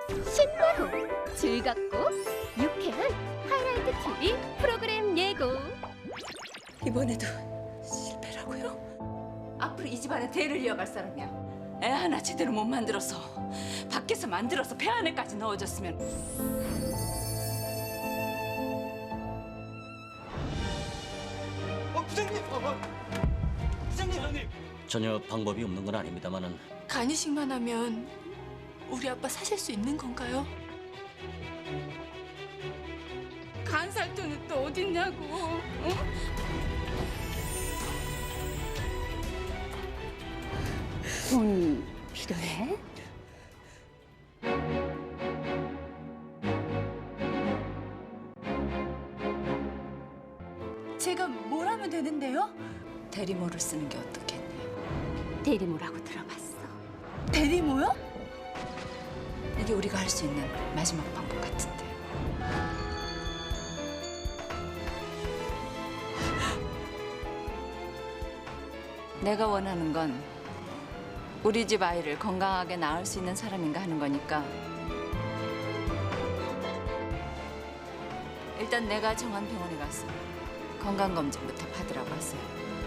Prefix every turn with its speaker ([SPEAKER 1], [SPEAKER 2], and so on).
[SPEAKER 1] 신나고 즐겁고 유쾌한 하이라이트 TV 프로그램 예고.
[SPEAKER 2] 이번에도 실패라고요?
[SPEAKER 3] 앞으로 이 집안의 대를 이어갈 사람이야. 애 하나 제대로 못 만들어서 밖에서 만들어서 배 안에까지 넣어줬으면.
[SPEAKER 4] 부장님! 부장님!
[SPEAKER 5] 전혀 방법이 없는 건 아닙니다만은
[SPEAKER 2] 간이식만 하면 우리 아빠 사실 수 있는 건가요?
[SPEAKER 3] 간 살 돈은 또 어딨냐고. 어?
[SPEAKER 1] 돈 필요해?
[SPEAKER 2] 제가 뭘 하면 되는데요?
[SPEAKER 3] 대리모를 쓰는 게 어떻겠니?
[SPEAKER 1] 대리모라고 들어봤어.
[SPEAKER 2] 대리모요?
[SPEAKER 3] 이게 우리가 할 수 있는 마지막 방법 같은데. 내가 원하는 건 우리 집 아이를 건강하게 낳을 수 있는 사람인가 하는 거니까 일단 내가 정한 병원에 가서 건강검진부터 받으라고 하세요.